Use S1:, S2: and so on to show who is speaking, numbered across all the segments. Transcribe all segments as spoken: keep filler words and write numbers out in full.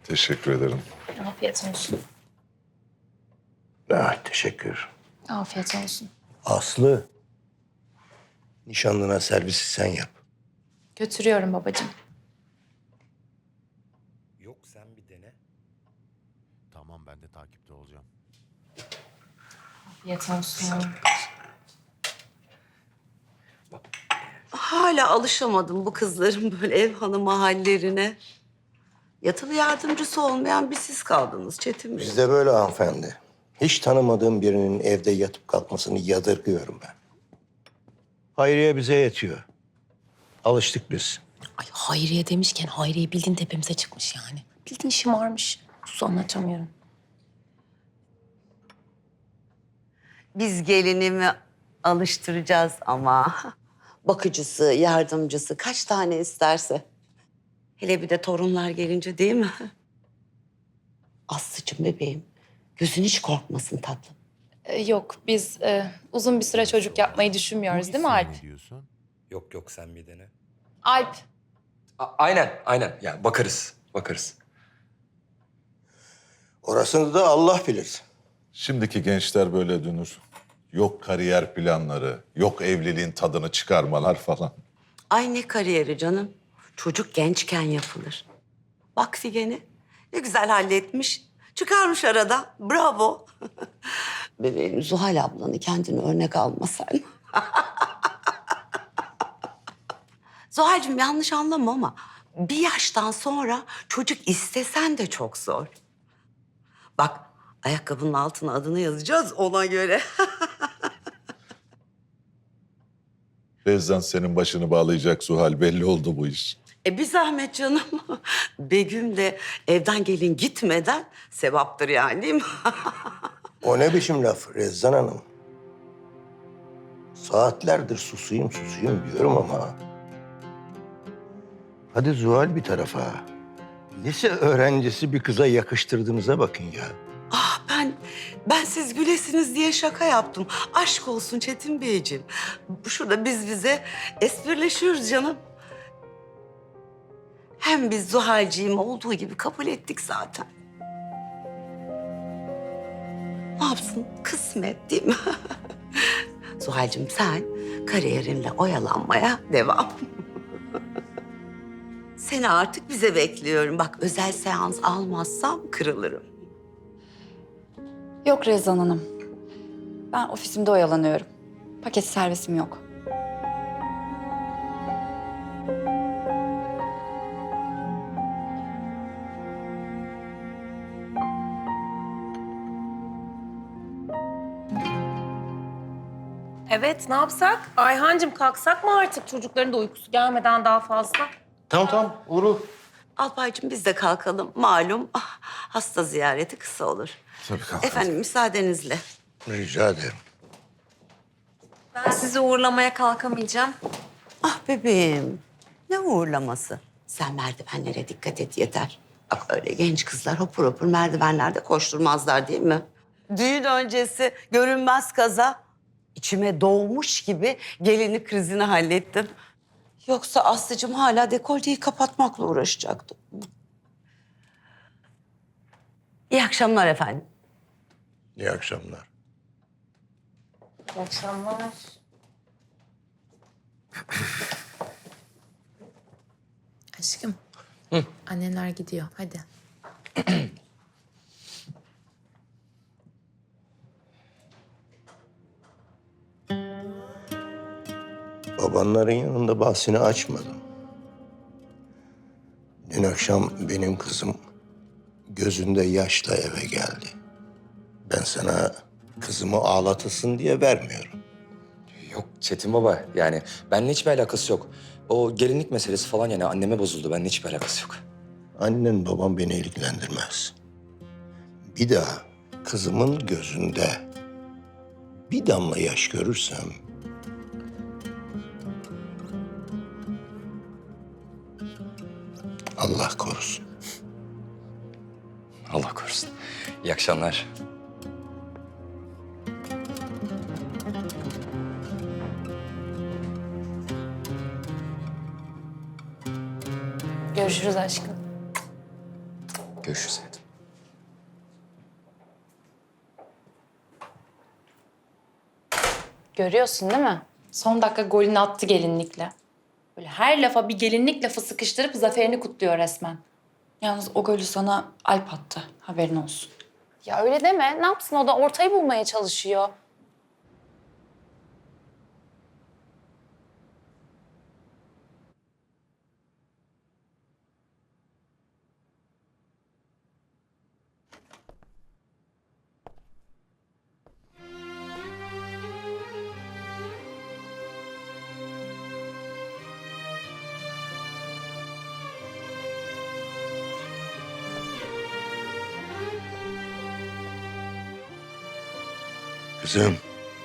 S1: Teşekkür ederim.
S2: Afiyet olsun.
S3: Ah, teşekkür.
S2: Afiyet olsun.
S3: Aslı, nişanlına servisi sen yap.
S2: Götürüyorum babacığım.
S3: Yok, sen bir dene.
S4: Tamam, ben de takipte olacağım.
S2: Afiyet olsun.
S5: Hala alışamadım bu kızların böyle ev hanımı hallerine. Yatılı yardımcısı olmayan bir siz kaldınız Çetin Bey.
S3: Bizde böyle hanımefendi. Hiç tanımadığım birinin evde yatıp kalkmasını yadırgıyorum ben. Hayriye bize yetiyor. Alıştık biz.
S6: Ay Hayriye demişken Hayriye bildiğin tepemize çıkmış yani. Bildiğin şımarmış. Sus anlatamıyorum.
S5: Biz gelinimi alıştıracağız ama. Bakıcısı, yardımcısı kaç tane isterse. Hele bir de torunlar gelince değil mi? Aslıcığım bebeğim, gözün hiç korkmasın tatlım.
S2: Ee, yok biz e, uzun bir süre çocuk yapmayı düşünmüyoruz değil mi Alp?
S4: Ne diyorsun?
S7: Yok yok sen bir dene.
S2: Alp.
S7: A- aynen aynen yani bakarız bakarız.
S3: Orasını da Allah bilir.
S1: Şimdiki gençler böyle dönür. Yok kariyer planları, yok evliliğin tadını çıkarmalar falan.
S5: Ay ne kariyeri canım. Çocuk gençken yapılır. Bak Figen'i ne güzel halletmiş. Çıkarmış arada. Bravo. Bebeğim Zuhal ablanı kendine örnek alma sen. Zuhal'cığım yanlış anlama ama bir yaştan sonra çocuk istesen de çok zor. Bak ayakkabının altına adını yazacağız ona göre.
S1: Rezdan senin başını bağlayacak Zuhal, belli oldu bu iş.
S5: E bir zahmet canım. Begüm de evden gelin gitmeden sevaptır yani değil mi?
S3: O ne biçim laf Rezzan Hanım? Saatlerdir susayım susayım diyorum ama... Hadi Zuhal bir tarafa. Lise öğrencisi bir kıza yakıştırdığınıza bakın ya.
S5: Ah ben, ben siz gülesiniz diye şaka yaptım. Aşk olsun Çetin Beyciğim. Şurada biz bize esprileşiyoruz canım. Hem biz Zuhal'ciğim olduğu gibi kabul ettik zaten. Ne yapsın? Kısmet değil mi? Zuhal'cığım sen kariyerinle oyalanmaya devam. Seni artık bize bekliyorum. Bak özel seans almazsam kırılırım.
S8: Yok Rezan Hanım. Ben ofisimde oyalanıyorum. Paket servisim yok.
S6: Evet, ne yapsak? Ayhancığım kalksak mı artık? Çocukların da uykusu gelmeden daha fazla.
S3: Tamam tamam Uğur.
S5: Alpaycığım biz de kalkalım. Malum ah, hasta ziyareti kısa olur.
S1: Tabii kalk.
S5: Efendim müsaadenizle.
S3: Rica ederim.
S6: Ben sizi uğurlamaya kalkamayacağım.
S5: Ah bebeğim. Ne uğurlaması. Sen merdivenlere dikkat et yeter. Bak öyle genç kızlar hopur hopur merdivenlerde koşturmazlar değil mi? Düğün öncesi görünmez kaza. İçime doğmuş gibi gelini krizini hallettim. Yoksa Aslı'cığım hala dekolteyi kapatmakla uğraşacaktı. İyi akşamlar efendim.
S3: İyi akşamlar.
S6: İyi akşamlar.
S2: Aşkım. Annenler gidiyor. Hadi.
S3: Babanların yanında bahsini açmadım. Dün akşam benim kızım gözünde yaşla eve geldi. Ben sana kızımı ağlatasın diye vermiyorum.
S7: Yok Çetin baba yani benimle hiçbir alakası yok. O gelinlik meselesi falan yani anneme bozuldu. Benimle hiçbir alakası yok.
S3: Annen babam beni ilgilendirmez. Bir daha kızımın gözünde bir damla yaş görürsem... Allah korusun.
S7: Allah korusun. İyi akşamlar.
S2: Görüşürüz aşkım.
S7: Görüşürüz hayatım.
S2: Görüyorsun değil mi? Son dakika golünü attı gelinlikle. Böyle her lafa bir gelinlik lafı sıkıştırıp zaferini kutluyor resmen.
S8: Yalnız o golü sana Alp attı. Haberin olsun.
S2: Ya öyle deme. Ne yapsın, o da ortayı bulmaya çalışıyor.
S3: Kızım.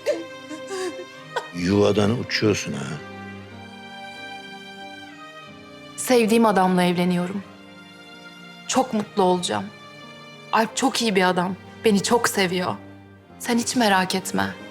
S3: Yuvadan uçuyorsun ha.
S2: Sevdiğim adamla evleniyorum. Çok mutlu olacağım. Alp çok iyi bir adam. Beni çok seviyor. Sen hiç merak etme.